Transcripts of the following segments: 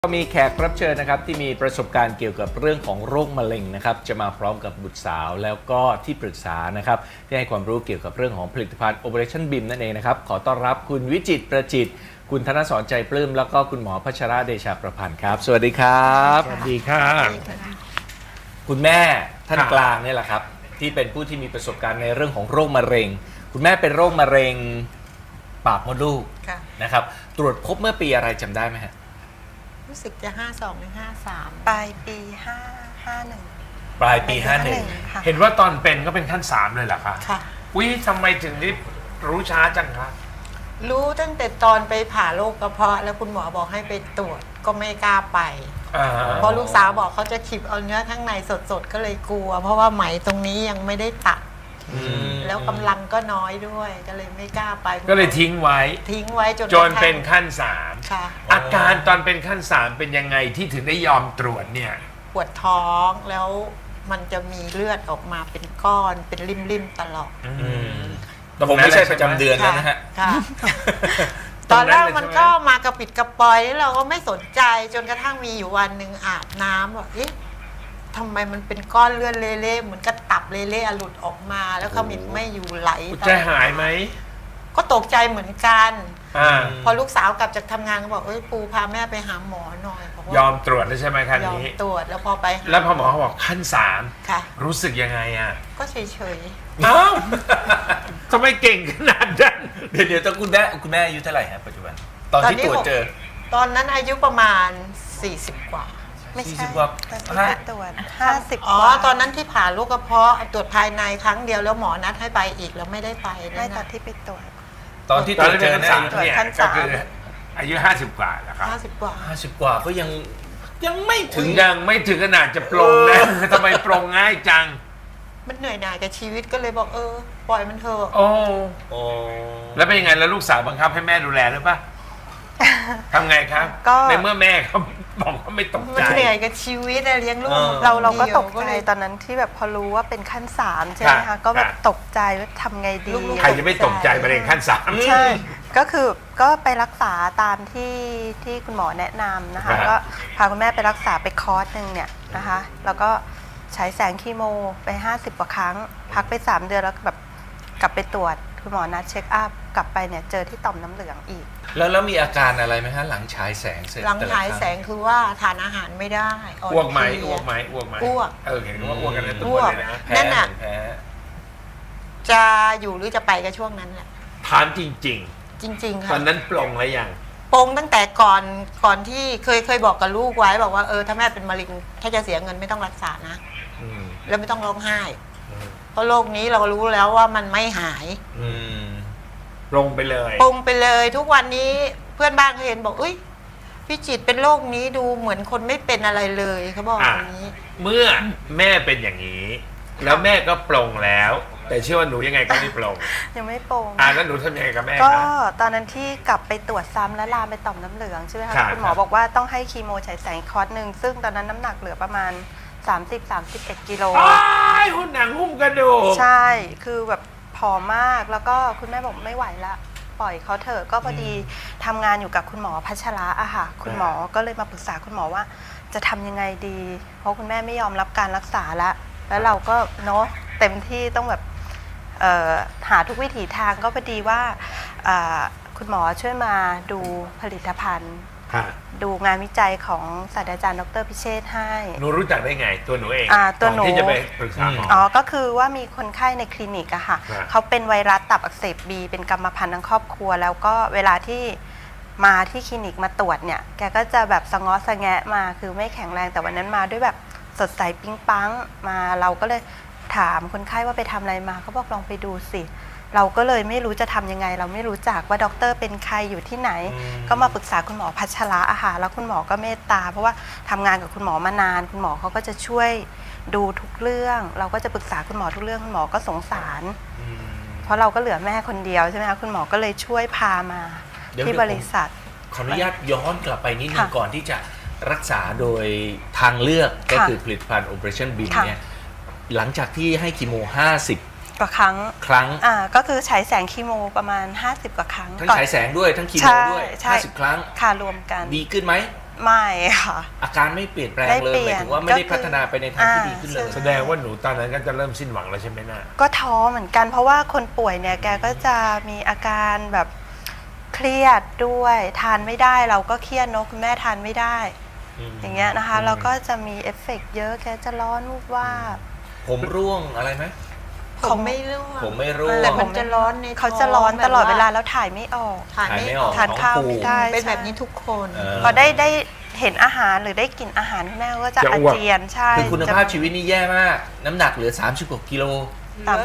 ก็มีแขกรับเชิญนะครับที่มีประสบการณ์เกี่ยวกับเรื่องของโรคมะเร็งนะครับจะมาพร้อมกับบุตรสาวแล้วก็ที่ปรึกษานะครับที่ให้ความรู้เกี่ยวกับเรื่องของผลิตภัณฑ์ Operation BIM นั่นเองนะครับขอต้อนรับคุณวิจิตรประจิตรคุณธนสรใจปลื้มแล้วก็คุณหมอพัชระเดชาประพันธ์ครับสวัสดีครับสวัสดีค่ะคุณแม่ท่านกลางเนี่ยแหละครับที่เป็นผู้ที่มีประสบการณ์ในเรื่องของโรคมะเร็งคุณแม่เป็นโรคมะเร็งปากมดลูกนะครับตรวจพบเมื่อปีอะไรจำได้ไหมฮะรู้สึกจะ52หรือ53 ปลายปี51 ปลายปีเห็นว่าตอนเป็นก็เป็นขั้น3เลยเหรอคะค่ะวิทำไมถึงได้รู้ช้าจังคะรู้ตั้งแต่ตอนไปผ่าโรคกระเพาะแล้วคุณหมอบอกให้ไปตรวจก็ไม่กล้าไปเพราะลูกสาวบอกเขาจะขีบเอาเนื้อข้างในสดๆก็เลยกลัวเพราะว่าไหมตรงนี้ยังไม่ได้ตัดแล้วกำลังก็น้อยด้วยก็เลยไม่กล้าไปก็เลยทิ้งไว้จนเป็นขั้น3 ค่ะอาการตอนเป็นขั้น3เป็นยังไงที่ถึงได้ยอมตรวจเนี่ยปวดท้องแล้วมันจะมีเลือดออกมาเป็นก้อนเป็นริมๆตลอดแต่ผมไม่ใช่ประจำเดือนแล้วนะฮะตอนแรกมันก็มากระปิดกระปอยแล้วเราก็ไม่สนใจจนกระทั่งมีอยู่วันหนึ่งอาบน้ำบอกทำไมมันเป็นก้อนเลือดเละๆเหมือนกระตับเละๆหลุดออกมาแล้วขมิ้นไม่อยู่ไหลใจหายไหมก็ตกใจเหมือนกันพอลูกสาวกลับจากทำงานก็บอกปูพาแม่ไปหาหมอหน่อยยอมตรวจแล้วใช่ไหมครั้งนี้ยอมตรวจแล้วพอไปแล้วพอหมอเขาบอกขั้น3 ค่ะรู้สึกยังไงอ่ะก็เฉยๆอ้าวทำไมเก่งขนาดนั้นเดี๋ยวคุณแม่อายุเท่าไหร่ฮะปัจจุบันตอนที่ตรวจเจอตอนนั้นอายุประมาณ40 กว่าไม่ใช่ตอนที่ตรวจ50 อ๋อตอนนั้นที่ผ่าลูกกระเพาะตรวจภายในครั้งเดียวแล้วหมอนัดให้ไปอีกแล้วไม่ได้ไปไม่ตอนที่ไปตรวจตอนที่ตรวจเจอเนี่ยก็คืออายุ50 กว่าแล้วครับ 50 กว่า 50 กว่าก็ยังไม่ถึงขนาดจะปรงนะทำไมปรงง่ายจังมันเหนื่อยหน่ายกับชีวิตก็เลยบอกปล่อยมันเถอะโอ้แล้วเป็นยังไงแล้วลูกสาวบังคับให้แม่ดูแลหรือเปล่าทำไงครับในเมื่อแม่เขาบอกว่าไม่ตกใจมันเหนื่อยกับชีวิตเลี้ยงลูกเราก็ตกใจตอนนั้นที่แบบพอรู้ว่าเป็นขั้น3ใช่ไหมคะก็แบบตกใจว่าทำไงดีใครจะไม่ตกใจมาเรียนขั้น3 ใช่ก็ไปรักษาตามที่คุณหมอแนะนำนะคะก็พาคุณแม่ไปรักษาไปคอร์สนึงเนี่ยนะคะแล้วก็ใช้แสงคีโมไป50 กว่าครั้งพักไป3 เดือนแล้วแบบกลับไปตรวจคุณหมอนัดเช็คอัพกลับไปเนี่ยเจอที่ต่อมน้ำเหลืองอีกแล้วมีอาการอะไรไหมฮะหลังฉายแสงเสร็จหลังฉายแสงคือว่าทานอาหารไม่ได้อ้วกไหมเห็นว่าอ้วกกันในตัวเลยนะนั่นน่ะจะอยู่หรือจะไปกับช่วงนั้นแหละถามจริงค่ะตอนนั้นปลงแล้วยังปงตั้งแต่ก่อนที่เคยบอกกับลูกไว้บอกว่าถ้าแม่เป็นมะเร็งถ้าจะเสียเงินไม่ต้องรักษานะแล้วไม่ต้องร้องไห้เพราะโรคนี้เรารู้แล้วว่ามันไม่หายปงไปเลยทุกวันนี้เพื่อนบ้านเขาเห็นบอกพี่จิตเป็นโรคนี้ดูเหมือนคนไม่เป็นอะไรเลยเขาบอกอย่างนี้เมื่อแม่เป็นอย่างนี้แล้วแม่ก็ปลงแล้วแต่เชื่อว่าหนูยังไงก็ไม่ปลงยังไม่ปลงแล้วหนูทำยังไงกับแม่ก็ตอนนั้นที่กลับไปตรวจซ้ำและลามไปต่อมน้ำเหลืองใช่ไหมคะคุณหมอบอกว่าต้องให้คีโมฉายแสงคอร์สนึงซึ่งตอนนั้นน้ำหนักเหลือประมาณ30-31 กิโลหุ่นหนังหุ้มกระดูกใช่คือแบบผอมมากแล้วก็คุณแม่บอกไม่ไหวละปล่อยเขาเถอะก็พอดีทำงานอยู่กับคุณหมอพัชระอะค่ะคุณหมอก็เลยมาปรึกษาคุณหมอว่าจะทำยังไงดีเพราะคุณแม่ไม่ยอมรับการรักษาแล้วเราก็เนาะเต็มที่ต้องแบบหาทุกวิถีทางก็พอดีว่าคุณหมอช่วยมาดูผลิตภัณฑ์ดูงานวิจัยของศาสตราจารย์ดร.พิเชษฐ์ให้หนูรู้จักได้ไงตัวหนูเองตัวหนูที่จะไปปรึกษาหมอก็คือว่ามีคนไข้ในคลินิกอะค่ะเขาเป็นไวรัสตับอักเสบบีเป็นกรรมพันธุ์ทั้งครอบครัวแล้วก็เวลาที่มาที่คลินิกมาตรวจเนี่ยแกก็จะแบบสะง้อสะแงะมาคือไม่แข็งแรงแต่วันนั้นมาด้วยแบบสดใสปิ๊งปังมาเราก็เลยถามคนไข้ว่าไปทำอะไรมาเขาบอกลองไปดูสิเราก็เลยไม่รู้จะทำยังไงเราไม่รู้จักว่าด็อกเตอร์เป็นใครอยู่ที่ไหนก็มาปรึกษาคุณหมอพัชระอาหารแล้วคุณหมอก็เมตตาเพราะว่าทำงานกับคุณหมอมานานคุณหมอเขาก็จะช่วยดูทุกเรื่องเราก็จะปรึกษาคุณหมอทุกเรื่องคุณหมอก็สงสารเพราะเราก็เหลือแม่คนเดียวใช่ไหมคะคุณหมอก็เลยช่วยพามาที่บริษัทขออนุญาตย้อนกลับไปนิดนึงก่อนที่จะรักษาโดยทางเลือกก็คือผลิตภัณฑ์ Operation BIM เนี่ยหลังจากที่ให้คีโม50 กว่าครั้งก็คือฉายแสงคีโมประมาณ50 กว่าครั้งทั้งฉายแสงด้วยทั้งคีโมด้วย50 ครั้งค่ะรวมกันดีขึ้นไหมไม่ค่ะอาการไม่เปลี่ยนแปลงไม่เลยเปลี่หยมาน ยถึงว่าไม่ได้พัฒนาไปในทางที่ดีขึ้นเลยแสดงว่าหนูตอนนั้นก็จะเริ่มสิ้นหวังแล้วใช่ไหมน่ะก็ท้อเหมือนกันเพราะว่าคนป่วยเนี่ยแกก็จะมีอาการแบบเครียดด้วยทานไม่ได้เราก็เครียดเนอะคุณแม่ทานไม่ได้อย่างเงี้ยนะคะเราก็จะมีเอฟเฟกต์เยอะแกจะร้อนวูบวาบผมร่วงอะไรไหมผมไม่ร่วงผมไม่ร่วงแต่มันจะร้อนในท้องเขาจะร้อนตลอดเวลาแบบแล้วถ่ายไม่ออกถ่ายไม่ออกทานข้าวไม่ได้เป็นแบบนี้ทุกคนพอได้เห็นอาหารหรือได้กลิ่นอาหารคุณแม่ก็จะจะอาอ้วกเจียนใช่คือคุณภาพชีวิตนี่แย่มาก น้ำหนักเหลือ30 กว่ากิโลเหลือ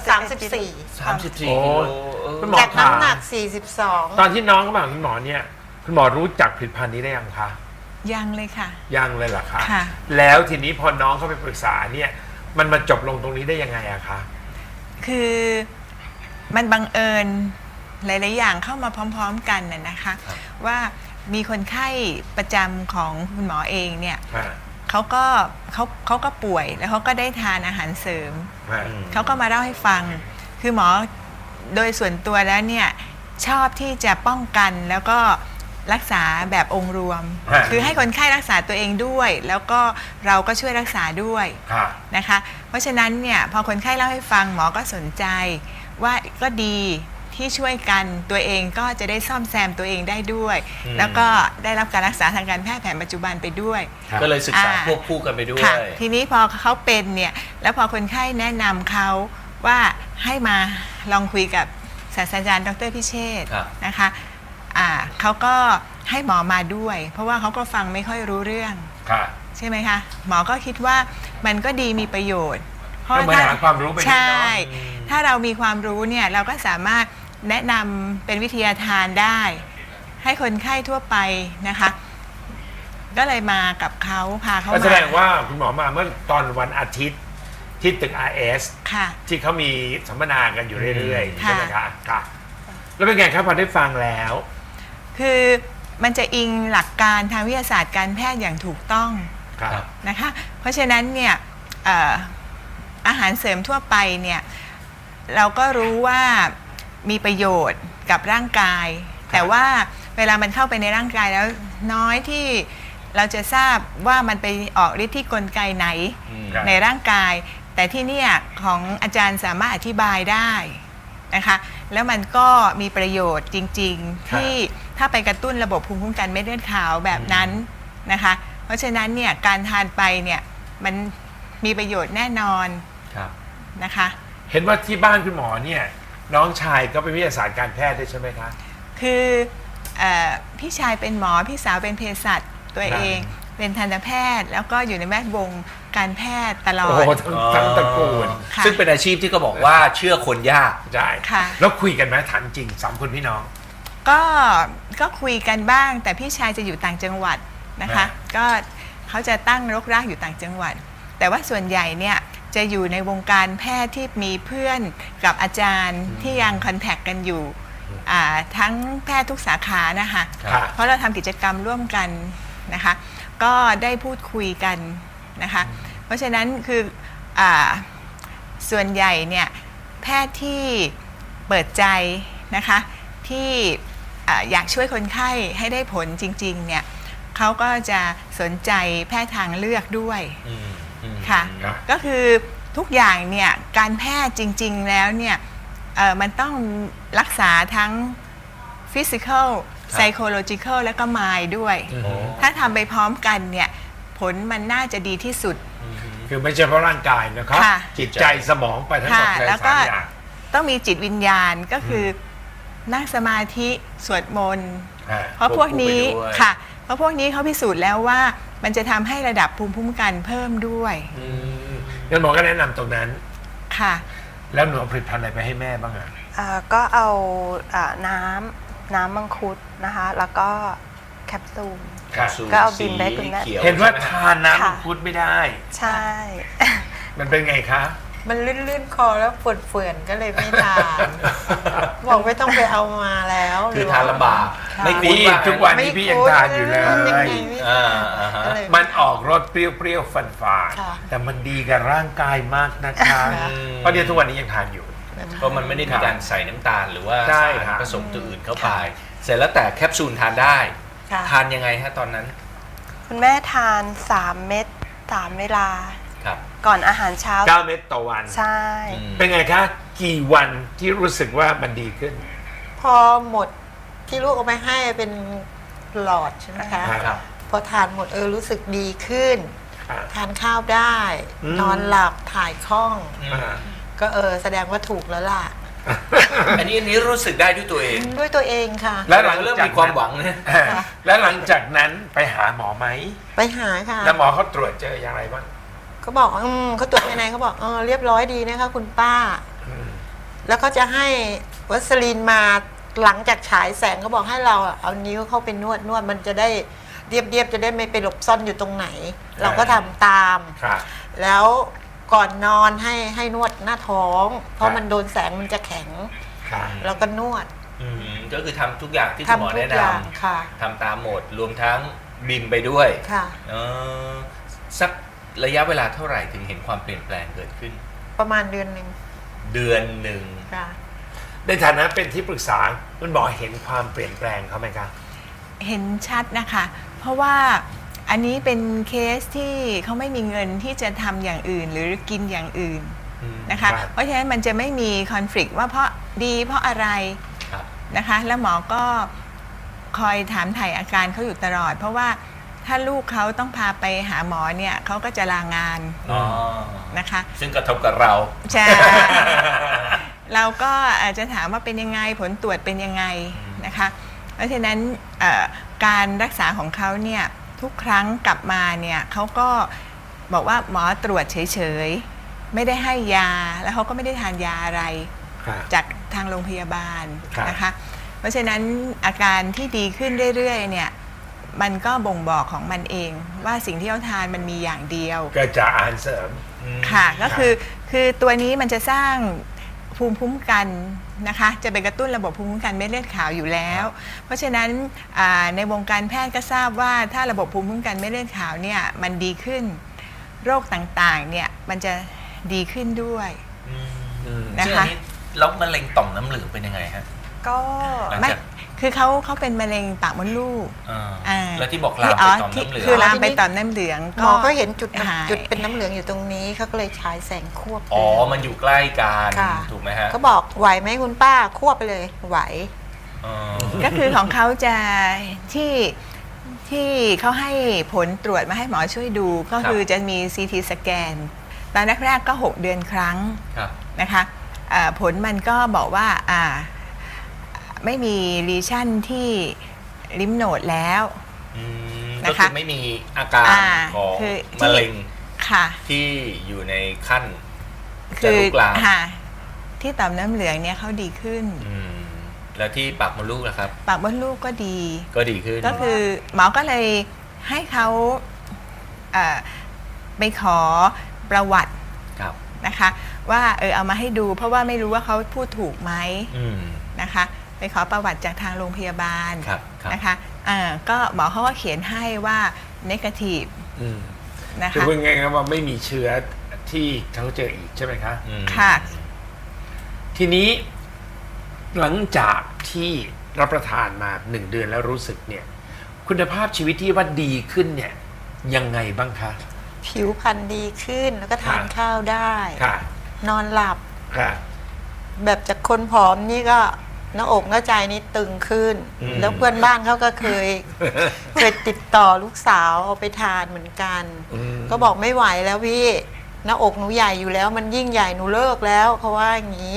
34 34 โอ้กิโลคุณหมอจากน้ำหนักตอนที่น้องเขามาหาคุณหมอเนี่ยคุณหมอรู้จักผลิตภัณฑ์นี้ได้ยังคะยังเลยค่ะยังเลยเหรอคะค่ะแล้วทีนี้พอน้องเขาไปปรึกษาเนี่ยมันมาจบลงตรงนี้ได้ยังไงอะคะคือมันบังเอิญหลาย ๆ อย่างเข้ามาพร้อม ๆ กันน่ะนะคะ ว่ามีคนไข้ประจำของคุณหมอเองเนี่ยอ่าเขาก็ป่วยแล้วเขาก็ได้ทานอาหารเสริมอ่าเขาก็มาเล่าให้ฟัง คือหมอโดยส่วนตัวแล้วเนี่ยชอบที่จะป้องกันแล้วก็รักษาแบบองค์รวม คือให้คนไข้รักษาตัวเองด้วย แล้วก็เราก็ช่วยรักษาด้วยค่ะนะคะ เพราะฉะนั้นเนี่ยพอคนไข้เล่าให้ฟังหมอก็สนใจว่าก็ดีที่ช่วยกันตัวเองก็จะได้ซ่อมแซมตัวเองได้ด้วย แล้วก็ได้รับการรักษาทางการแพทย์แผนปัจจุบันไปด้วยก็เลยศึกษาควบคู่กันไปด้วยค่ะทีนี้พอเขาเป็นเนี่ยแล้วพอคนไข้แนะนำเขาว่าให้มาลองคุยกับศาสตราจารย์ดร.พิเชษฐ์ครับนะคะเขาก็ให้หมอมาด้วย เพราะว่าเขาก็ฟังไม่ค่อยรู้เรื่องค่ะใช่ไหมคะหมอก็คิดว่ามันก็ดีมีประโยชน์ก็เหมือนหาความรู้ไปด้วยเนอะใช่ถ้าเรามีความรู้เนี่ยเราก็สามารถแนะนำเป็นวิทยาทานได้ ให้คนไข้ทั่วไปนะคะ ก็เลยมากับเขาพาเขาก็มาแสดงว่าคุณหมอมาเมื่อตอนวันอาทิตย์ที่ตึก RS ค่ะที่เขามีสัมมนากันอยู่เรื่อยๆค่ะใช่ไหมคะค่ะ แล้วเป็นไงครับพอได้ฟังแล้วคือมันจะอิงหลักการทางวิทยาศาสตร์การแพทย์อย่างถูกต้องครับนะคะ เพราะฉะนั้นเนี่ยอาหารเสริมทั่วไปเนี่ยเราก็รู้ว่ามีประโยชน์กับร่างกาย แต่ว่าเวลามันเข้าไปในร่างกายแล้วน้อยที่เราจะทราบว่ามันไปออกฤทธิ์ที่กลไกไหนครับในร่างกาย แต่ที่เนี่ยของอาจารย์สามารถอธิบายได้นะคะแล้วมันก็มีประโยชน์จริงๆที่ถ้าไปกระตุ้นระบบภูมิคุ้มกันเม็ดเลือดขาวแบบนั้นนะคะเพราะฉะนั้นเนี่ยการทานไปเนี่ยมันมีประโยชน์แน่นอนครับนะคะเห็นว่าที่บ้านคุณหมอเนี่ยน้องชายก็เป็นวิทยาศาสตร์การแพทย์ด้วยใช่ไหมคะคือพี่ชายเป็นหมอพี่สาวเป็นเภสัชตัวเองเป็นทันตแพทย์แล้วก็อยู่ในแวดวงการแพทย์ตลอโอ้ดโหทั้งตระกูลค่ะซึ่งเป็นอาชีพที่ก็บอกว่าเชื่อคนยากใช่ค่ะแล้วคุยกันไหมถามจริงสามคนพี่น้องก็คุยกันบ้างแต่พี่ชายจะอยู่ต่างจังหวัดนะคะ ก็เขาจะตั้งรกรากอยู่ต่างจังหวัด แต่ว่าส่วนใหญ่เนี่ยจะอยู่ในวงการแพทย์ที่มีเพื่อนกับอาจารย์ที่ยังคอนแทคกันอยู่ทั้งแพทย์ทุกสาขานะคะครับเพราะเราทำกิจกรรมร่วมกันนะคะก็ได้พูดคุยกันนะคะเพราะฉะนั้นคือส่วนใหญ่เนี่ยแพทย์ที่เปิดใจนะคะที่อยากช่วยคนไข้ให้ได้ผลจริงๆเนี่ยเขาก็จะสนใจแพทย์ทางเลือกด้วยค่ะครับก็คือทุกอย่างเนี่ยการแพทย์จริงๆแล้วเนี่ยมันต้องรักษาทั้ง physical psychological และก็ mind ด้วย ถ้าทำไปพร้อมกันเนี่ยผลมันน่าจะดีที่สุดคือไม่ใช่เพราะร่างกายนะครับค่ะจิตใจสมองไปทั้งหมดค่ะเลยแล้วก็สามอย่างต้องมีจิตวิญญาณก็คือนั่งสมาธิสวดมนต์อ่าเพราะพวกนี้ควบคู่ไปด้วยค่ะเพราะพวกนี้เขาพิสูจน์แล้วว่ามันจะทำให้ระดับภูมิคุ้มกันเพิ่มด้วยงั้นหมอก็แนะนำตรงนั้นค่ะแล้วหนูเอาผลิตภัณฑ์อะไรไปให้แม่บ้างอ่ะก็เอาน้ำมังคุดนะคะแล้วก็แคปซูลครับก็เอาบินไปให้คุณแม่สีขียเห็นว่าใช่ไมทานน้ำค่ะมังคุดไม่ได้ใช่มันเป็นไงคะมันลื่นๆคอแล้วเฟื่อนๆก็เลยไม่ทาน บอกไม่ต้องไปเอามาแล้วคือทานลำบากค่ะไม่คุ้นนี่ว่าทุกวันนี้พี่ยังทานอยู่เลยทำยังไงไม่อ่าทานฮะก็เลยมันออกรสเปรี้ยวๆฝาดค่ะๆแต่มันดีกับร่างกายมากนะคะค่ะเพราะเดี๋ยวทุกวันนี้ยังทานอยู่เพราะมันไม่ได้มีการใส่น้ำตาลหรือว่าใช่สารครับผสมตัวอื่นเข้าไป เสร็จแล้วแต่แคปซูลทานได้ค่ะทานยังไงฮะตอนนั้นคุณแม่ทาน3 เม็ด3 เวลาครับก่อนอาหารเช้า 9 เม็ดต่อวันใช่เป็นไงคะกี่วันที่รู้สึกว่ามันดีขึ้นพอหมดที่ลูกเอาไปให้เป็นหลอดใช่ไหมคะครับพอทานหมดรู้สึกดีขึ้นครับทานข้าวได้ นอนหลับถ่ายคล่อง ก็แสดงว่าถูกแล้วล่ะอันนี้รู้สึกได้ด้วยตัวเองด้วยตัวเองค่ะแล้วหลังเริ่มจากมีความหวังนะแล้วหลังจากนั้นไปหาหมอไหมไปหาค่ะแล้วหมอเขาตรวจเจออย่างไรบ้างเขาบอกเขาตรวจภายในเขาบอกเรียบร้อยดีนะคะคุณป้า แล้วก็จะให้วัสลีนมาหลังจากฉายแสงเขาบอกให้เราเอานิ้วเข้าไปนวดมันจะได้เรียบจะได้ไม่ไปหลบซ่อนอยู่ตรงไหน เราก็ทำตามครับแล้วก่อนนอนให้นวดหน้าท้อง เพราะมันโดนแสงมันจะแข็งครับเราก็นวดก็คือทำทุกอย่างที่คุณหมอทำทุแนะกอย่างนำค่ะทำตามหมดรวมทั้งบิมไปด้วยค่ะสักระยะเวลาเท่าไหร่ถึงเห็นความเปลี่ยนแปลงเกิดขึ้นประมาณเดือนหนึ่งเดือนหนึ่งค่ะในฐานะเป็นที่ปรึกษาคุณหมอเห็นความเปลี่ยนแปลงเขาไหมครับเห็นชัดนะคะ เพราะว่าอันนี้เป็นเคสที่เขาไม่มีเงินที่จะทำอย่างอื่นหรือกินอย่างอื่นนะคะครับเพราะฉะนั้นมันจะไม่มีคอนฟ lict ว่าเพราะดีเพราะอะไรครับนะคะ แล้วหมอก็คอยถามถ่ายอาการเขาอยู่ตลอด เพราะว่าถ้าลูกเขาต้องพาไปหาหมอเนี่ยเขาก็จะลางานอ๋อนะคะซึ่งกระทบกับเราใช่ เราก็อาจจะถามว่าเป็นยังไงผลตรวจเป็นยังไงนะคะ เพราะฉะนั้นการรักษาของเขาเนี่ยทุกครั้งกลับมาเนี่ยเขาก็บอกว่าหมอตรวจเฉยๆไม่ได้ให้ยาแล้วเขาก็ไม่ได้ทานยาอะไรครับจากทางโรงพยาบาลครับนะคะ เพราะฉะนั้นอาการที่ดีขึ้นเรื่อยๆเนี่ยมันก็บ่งบอกของมันเองว่าสิ่งที่เขาทานมันมีอย่างเดียวก็จะอาหารเสริมค่ะก็คือตัวนี้มันจะสร้างภูมิคุ้มกันนะคะจะไปกระตุ้นระบบภูมิคุ้มกันเม็ดเลือดขาวอยู่แล้ว เพราะฉะนั้นในวงการแพทย์ก็ทราบว่าถ้าระบบภูมิคุ้มกันเม็ดเลือดขาวเนี่ยมันดีขึ้นโรคต่างๆเนี่ยมันจะดีขึ้นด้วยนะซึ่งคะอันนี้แล้วมะเร็งต่อมน้ำเหลืองเป็นยังไงฮะก็หลังไม่จากคือเขาเป็นมะเร็งปากมดลูกแล้วที่บอกลามไปต่อมน้ำเหลืองคือลามไปต่อมน้ำเหลืองหมอก็เห็นจุดหายจุดเป็นน้ำเหลืองอยู่ตรงนี้เขาก็เลยฉายแสงควบไปอ๋อ มันอยู่ใกล้กันค่ะถูกไหมฮะเขาบอกไหวไหมคุณป้าควบไปเลยไหวอ๋อก็คือของเขาจะที่เขาให้ผลตรวจมาให้หมอช่วยดูก็คือจะมี CT สแกนตอนแรกๆก็6 เดือนครั้งครับนะคะผลมันก็บอกว่าไม่มีลีชั่นที่ลิมโนดแล้วก็นะคะคือไม่มีอาการของคือมะเร็งค่ะที่อยู่ในขั้นจะคือลุกลามค่ะที่ต่อมน้ำเหลืองเนี่ยเขาดีขึ้นแล้วที่ปากมดลูกนะครับปากมดลูกก็ดีก็ดีขึ้นก็คือหมอก็เลยให้เขาไปขอประวัติครับนะคะว่าเอามาให้ดูเพราะว่าไม่รู้ว่าเขาพูดถูกไหม นะคะไปขอประวัติจากทางโรงพยาบาลครับนะคะก็หมอเขาก็เขียนให้ว่า negative นะคือคะพูดง่ายๆว่าไม่มีเชื้อที่เขาเจออีกใช่ไหมคะค่ะทีนี้หลังจากที่รับประทานมา1 เดือนแล้วรู้สึกเนี่ยคุณภาพชีวิตที่ว่าดีขึ้นเนี่ยยังไงบ้างคะผิวพรรณดีขึ้นแล้วก็ทานค่ะข้าวได้ค่ะนอนหลับค่ะแบบจากคนผอมนี่ก็หน้าอกหน้าใจนี่ตึงขึ้น แล้วเพื่อนบ้านเขาก็เคย ติดต่อลูกสาวเอาไปทานเหมือนกัน ก็บอกไม่ไหวแล้วพี่หน้าอกหนูใหญ่อยู่แล้ว มันยิ่งใหญ่หนูเลิกแล้วเขาว่าอย่างนี้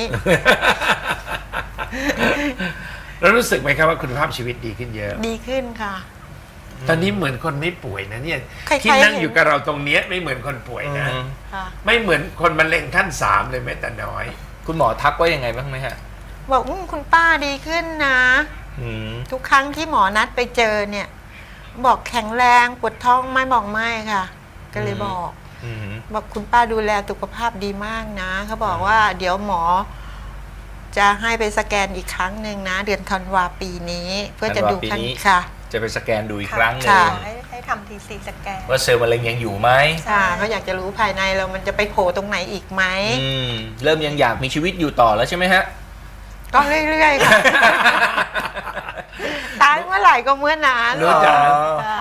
แล้วรู้สึกไหมครับว่าคุณภาพชีวิตดีขึ้นเยอะดีขึ้นค่ะตอนนี้เหมือนคนไม่ป่วยนะเนี่ยใครๆที่นั่งเห็นอยู่กับเราตรงเนี้ยไม่เหมือนคนป่วยนะค่ะไม่เหมือนคนมะเร็งขั้น3เลยแม้แต่น้อยคุณหมอทักว่ายังไงบ้างไหมฮะบอกคุณป้าดีขึ้นนะ ทุกครั้งที่หมอนัดไปเจอเนี่ย บอกแข็งแรงปวดท้องไหม่บอกไม่ค่ะ ก็เลยบอกบอกคุณป้าดูแลสุขภาพดีมากนะเขาบอกว่าเดี๋ยวหมอ จะให้ไปสแกนอีกครั้งหนึ่งนะ เดือนธันวาปีนี้ เพื่อจะดูธันวาปีนี้ค่ะจะไปสแกนดูอีกครั้งหนึ่ค่ะงให้ทำ TC สแกนว่าเซลล์มะเร็งยังอยู่ไหมค่ะเขาอยากจะรู้ภายในเรามันจะไปโผล่ตรงไหนอีกไหมเริ่มยังอยากมีชีวิตอยู่ต่อแล้วใช่ไหมฮะก็เรื่อยๆค่ะ ตายเมื่อไหร่ก็เมื่อนั้นรู้จักค่ะ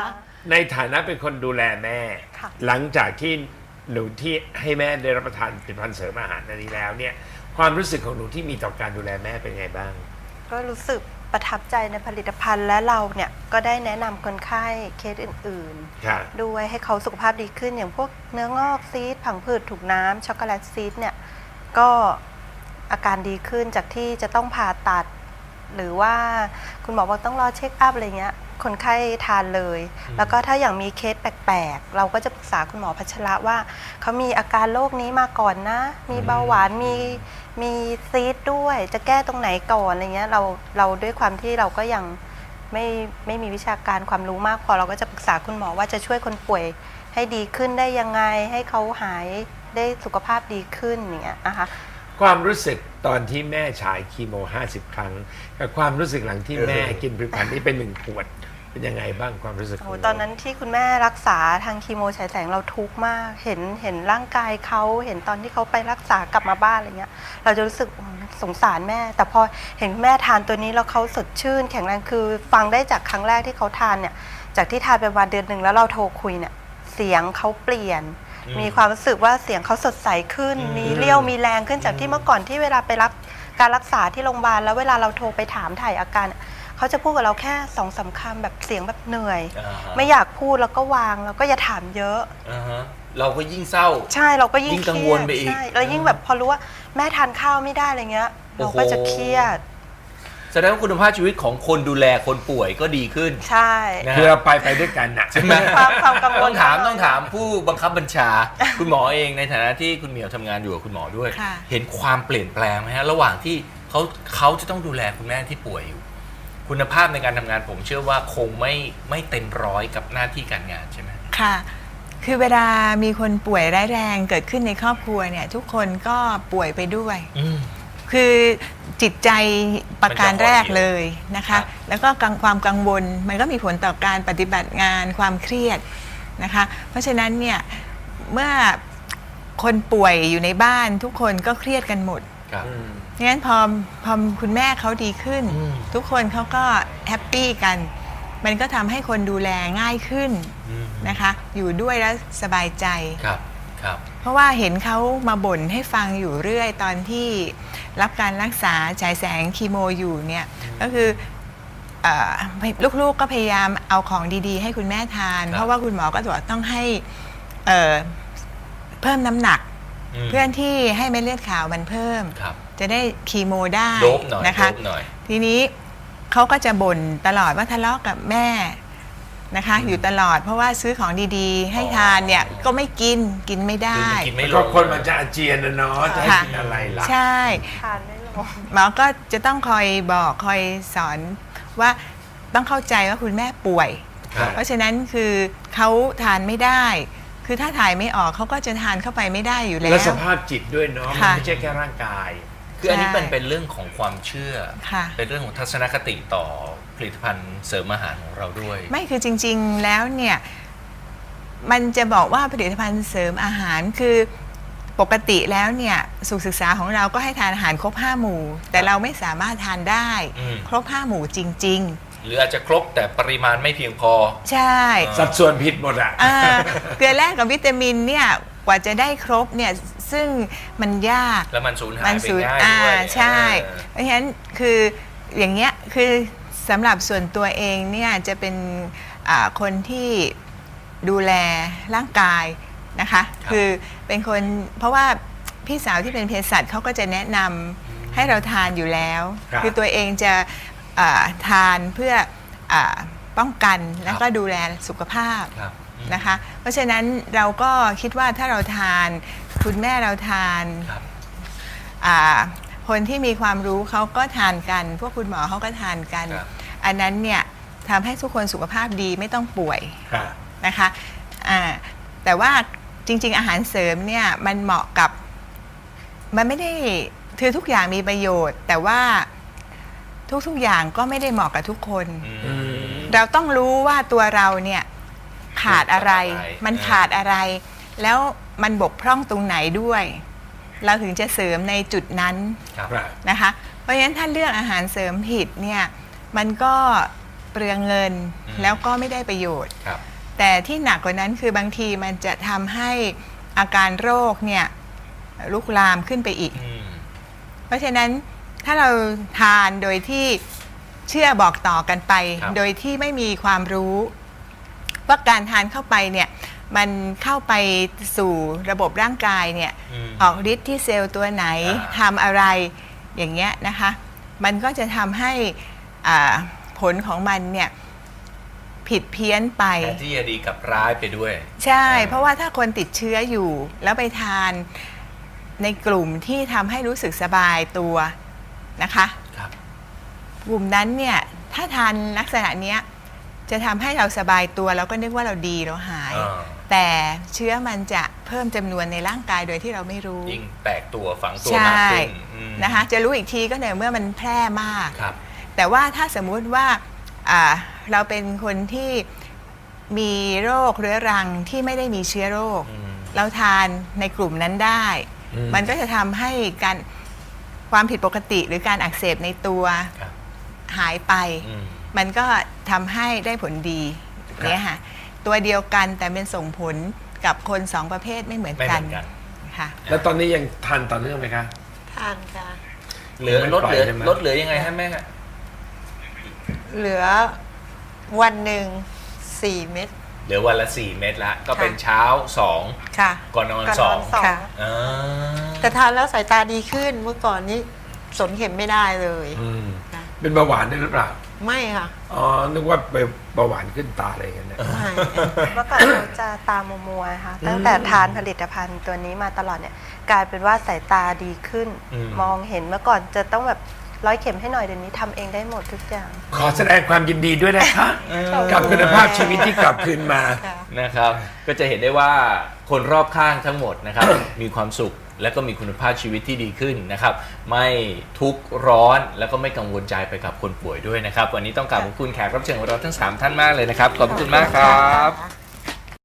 ในฐานะเป็นคนดูแลแม่ค่ะหลังจากที่หนูที่ให้แม่ได้รับประทานผลิตภัณฑ์เสริมอาหารอันนี้แล้วเนี่ยความรู้สึกของหนูที่มีต่อการดูแลแม่เป็นไงบ้างก็รู้สึกประทับใจในผลิตภัณฑ์และเราเนี่ยก็ได้แนะนำคนไข้เคสอื่นครับๆด้วยให้เขาสุขภาพดีขึ้นอย่างพวกเนื้องอกซีสผังผืดถูกน้ำช็อกโกแลตซีสเนี่ยก็อาการดีขึ้นจากที่จะต้องผ่าตัด หรือว่าคุณหมอบอกต้องรอเช็คอัพอะไรเงี้ยคนไข้ทานเลย แล้วก็ถ้าอย่างมีเคสแปลกๆเราก็จะปรึกษาคุณหมอพัชระว่าเขามีอาการโรคนี้มาก่อนนะมีเบาหวานมีซีสด้วยจะแก้ตรงไหนก่อนอะไรเงี้ยเราด้วยความที่เราก็ยังไม่มีวิชาการความรู้มากพอเราก็จะปรึกษาคุณหมอว่าจะช่วยคนป่วยให้ดีขึ้นได้ยังไงให้เขาหายได้สุขภาพดีขึ้นอย่างเงี้ยนะคะความรู้สึกตอนที่แม่ฉายคีโม50 ครั้งกับความรู้สึกหลังที่แม่กินผลิตภัณฑ์นี้เป็น1 ขวดเป็นยังไงบ้างความรู้สึกของหตอนนั้นที่คุณแม่รักษาทางคีโมฉายแสงเราทุกข์มากเห็นร่างกายเขาเห็นตอนที่เขาไปรักษากลับมาบ้านอะไรเงี้ยเราจะรู้สึกสงสารแม่แต่พอเห็นแม่ทานตัวนี้แล้วเขาสดชื่นแข็งแรงคือฟังได้จากครั้งแรกที่เขาทานเนี่ยจากที่ทานไปวันเดือนหนึ่งแล้วเราโทรคุยเนี่ยเสียงเขาเปลี่ยนมีความรู้สึกว่าเสียงเขาสดใสขึ้นมีเรี่ยวมีแรงขึ้นจากที่เมื่อก่อนที่เวลาไปรับการรักษาที่โรงพยาบาลแล้วเวลาเราโทรไปถามถ่ายอาการเขาจะพูดกับเราแค่2-3 คำแบบเสียงแบบเหนื่อยไม่อยากพูดแล้วก็วางแล้วก็อย่าถามเยอะเราก็ยิ่งเศร้าใช่เราก็ยิ่งกังวลไปอีกใช่เรายิ่งแบบพอรู้ว่าแม่ทานข้าวไม่ได้อะไรเงี้ยเราก็จะเครียดแสดงว่าคุณภาพชีวิตของคนดูแลคนป่วยก็ดีขึ้นใช่คือเราไปด้วยกันนะใช่ไหมความกังวลต้องถามผู้บังคับบัญชา คุณหมอเองในฐานะที่คุณเหมียวทำงานอยู่กับคุณหมอด้วย เห็นความเปลี่ยนแปลงไหมฮะระหว่างที่เขาจะต้องดูแลคุณแม่ที่ป่วยอยู่คุณภาพในการทำงานผมเชื่อว่าคงไม่เต็มร้อยกับหน้าที่การงานใช่ไหมค่ะคือเวลามีคนป่วยร้ายแรงเกิดขึ้นในครอบครัวเนี่ยทุกคนก็ป่วยไปด้วยคือจิตใจประการแรกเลยนะคะแล้วก็ความกังวลมันก็มีผลต่อการปฏิบัติงานความเครียดนะคะเพราะฉะนั้นเนี่ยเมื่อคนป่วยอยู่ในบ้านทุกคนก็เครียดกันหมดงั้นพอคุณแม่เขาดีขึ้นทุกคนเขาก็แฮปปี้กันมันก็ทำให้คนดูแลง่ายขึ้นนะคะอยู่ด้วยแล้วสบายใจเพราะว่าเห็นเขามาบ่นให้ฟังอยู่เรื่อยตอนที่รับการรักษาฉายแสงคีโมอยู่เนี่ยก็คือลูกๆก็พยายามเอาของดีๆให้คุณแม่ทานเพราะว่าคุณหมอก็บอกต้องให้เพิ่มน้ำหนักเพื่อที่ให้เม็ดเลือดขาวมันเพิ่มจะได้คีโมได้นะคะทีนี้เขาก็จะบ่นตลอดว่าทะเลาะกับแม่นะคะอยู่ตลอดเพราะว่าซื้อของดีๆให้ทานเนี่ยก็ไม่กินไม่ได้ก็คนมันจะอาเจียนนะเนาะจะให้กินอะไรล่ะใช่ทานไม่ลงหมอก็จะต้องคอยบอกคอยสอนว่าต้องเข้าใจว่าคุณแม่ป่วยเพราะฉะนั้นคือเขาทานไม่ได้คือถ้าถ่ายไม่ออกเขาก็จะทานเข้าไปไม่ได้อยู่แล้วและสภาพจิตด้วยเนาะมันไม่ใช่แค่ร่างกายคืออันนี้เป็นเรื่องของความเชื่อเป็นเรื่องของทัศนคติต่อผลิตภัณฑ์เสริมอาหารของเราด้วยไม่คือจริงๆแล้วเนี่ยมันจะบอกว่าผลิตภัณฑ์เสริมอาหารคือปกติแล้วเนี่ยสุขศึกษาของเราก็ให้ทานอาหารครบ5 หมู่แต่เราไม่สามารถทานได้ครบ5 หมู่จริงๆหรืออาจจะครบแต่ปริมาณไม่เพียงพอใช่สัดส่วนผิดหมดอ่ะเกลือแร่กับวิตามินเนี่ยกว่าจะได้ครบเนี่ยซึ่งมันยากแล้วมันสูญหายไปง่ายด้วยใช่เพราะฉะนั้นคืออย่างเงี้ยคือสำหรับส่วนตัวเองเนี่ยจะเป็นคนที่ดูแลร่างกายนะคะคือเป็นคนเพราะว่าพี่สาวที่เป็นเภสัชเขาก็จะแนะนำให้เราทานอยู่แล้วคือตัวเองจะทานเพื่อป้องกันแล้วก็ดูแลสุขภาพนะคะเพราะฉะนั้นเราก็คิดว่าถ้าเราทานคุณแม่เราทานคนที่มีความรู้เขาก็ทานกันพวกคุณหมอเขาก็ทานกันอันนั้นเนี่ยทำให้ทุกคนสุขภาพดีไม่ต้องป่วยนะคะแต่ว่าจริงๆอาหารเสริมเนี่ยมันเหมาะกับมันไม่ได้คือทุกอย่างมีประโยชน์แต่ว่าทุกๆอย่างก็ไม่ได้เหมาะกับทุกคนเราต้องรู้ว่าตัวเราเนี่ยขาดอะไรมันขาดอะไรแล้วมันบกพร่องตรงไหนด้วยเราถึงจะเสริมในจุดนั้นนะคะเพราะฉะนั้นถ้าเลือกอาหารเสริมผิดเนี่ยมันก็เปลืองเงินแล้วก็ไม่ได้ประโยชน์แต่ที่หนักกว่านั้นคือบางทีมันจะทำให้อาการโรคเนี่ยลุกลามขึ้นไปอีกเพราะฉะนั้นถ้าเราทานโดยที่เชื่อบอกต่อกันไปโดยที่ไม่มีความรู้ว่าการทานเข้าไปเนี่ยมันเข้าไปสู่ระบบร่างกายเนี่ยออกฤทธิ์ที่เซลล์ตัวไหนทำอะไรอย่างเงี้ยนะคะมันก็จะทำให้ผลของมันเนี่ยผิดเพี้ยนไปแทนที่จะดีกับร้ายไปด้วยใช่เพราะว่าถ้าคนติดเชื้ออยู่แล้วไปทานในกลุ่มที่ทำให้รู้สึกสบายตัวนะคะกลุ่มนั้นเนี่ยถ้าทานลักษณะเนี้ยจะทำให้เราสบายตัวเราก็นึกว่าเราดีเราหายแต่เชื้อมันจะเพิ่มจำนวนในร่างกายโดยที่เราไม่รู้ยิ่งแตกตัวฝังตัวมากขึ้นนะคะจะรู้อีกทีก็เมื่อมันแพร่มากแต่ว่าถ้าสมมุติว่าเราเป็นคนที่มีโรคเรื้อรังที่ไม่ได้มีเชื้อโรคเราทานในกลุ่มนั้นได้มันก็จะทำให้ความผิดปกติหรือการอักเสบในตัวหายไปมันก็ทำให้ได้ผลดีเนี่ยค่ะตัวเดียวกันแต่เป็นส่งผลกับคนสองประเภทไม่เหมือนกันค่ะแล้วตอนนี้ยังทานต่อเนื่องไหมคะทานค่ะลดเหลือยังไงฮะแม่ฮะเหลือวันหนึ่ง4 เม็ดเหลือวันละ4 เม็ดละก็เป็นเช้า2 ค่ะก่อนนอน2 ค่ะแต่ทานแล้วสายตาดีขึ้นเมื่อก่อนนี้สนเข็มไม่ได้เลยเป็นเบาหวานได้หรือเปล่าไม่ค่ะอ๋อนึกว่าไปเบาหวานขึ้นตาอะไรกันเนี่ยเมื่อก่อนเราจะตามัวๆค่ะตั้งแต่ทานผลิตภัณฑ์ตัวนี้มาตลอดเนี่ยกลายเป็นว่าสายตาดีขึ้นมองเห็นเมื่อก่อนจะต้องแบบร้อยเข็มให้หน่อยเดี๋ยวนี้ทำเองได้หมดทุกอย่างขอแสดงความยินดีด้วยนะคะกับคุณภาพชีวิตที่กลับคืนมานะครับก็จะเห็นได้ว่าคนรอบข้างทั้งหมดนะครับมีความสุขและก็มีคุณภาพชีวิตที่ดีขึ้นนะครับไม่ทุกข์ร้อนแล้วก็ไม่กังวลใจไปกับคนป่วยด้วยนะครับวันนี้ต้องกราบขอบคุณแขกรับเชิญของเราทั้ง3 ท่านมากเลยนะครับขอบคุณมากครับ